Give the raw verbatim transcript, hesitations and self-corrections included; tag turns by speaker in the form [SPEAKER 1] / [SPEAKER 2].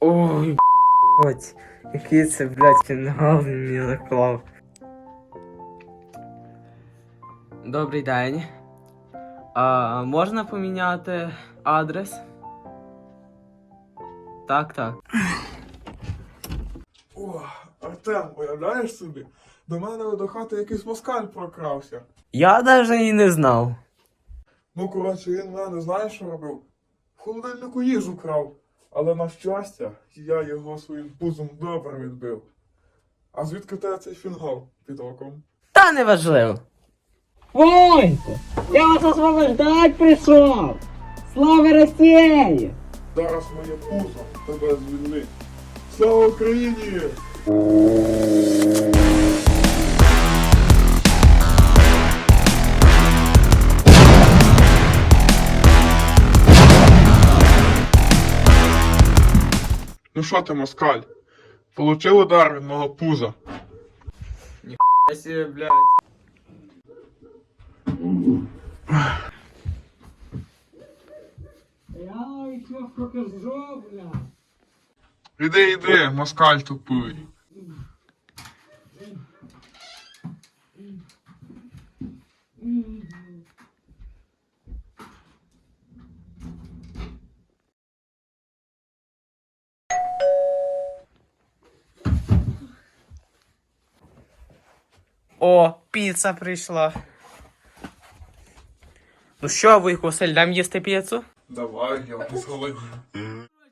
[SPEAKER 1] Ой, блядь, який це, блядь, фінгал він мені наклав. Добрий день. А можна поміняти адрес? Так, так.
[SPEAKER 2] О, Артем, уявляєш собі? До мене до хати якийсь москаль прокрався.
[SPEAKER 1] Я навіть і не знав.
[SPEAKER 2] Ну, коротше, він в мене, знаєш, що робив? В холодильнику їжу крав. Але на щастя, я його своїм пузом добре відбив. А звідки в тебе цей фінгал під оком?
[SPEAKER 1] Та неважливо.
[SPEAKER 3] Войко, я вас освобождать пришел! Слава России!
[SPEAKER 2] Зараз моє пузо тебе звільнить. Слава Україні! Ну що ти, москаль? Получив удар від мого пуза.
[SPEAKER 1] Я себе, блядь.
[SPEAKER 3] Я еще покажу, бля!
[SPEAKER 2] Іди, іди, москаль тупий.
[SPEAKER 1] О, піца прийшла. Ну що, Вуйко Василь, дам їсти піцу?
[SPEAKER 2] Давай, я не зголоднів.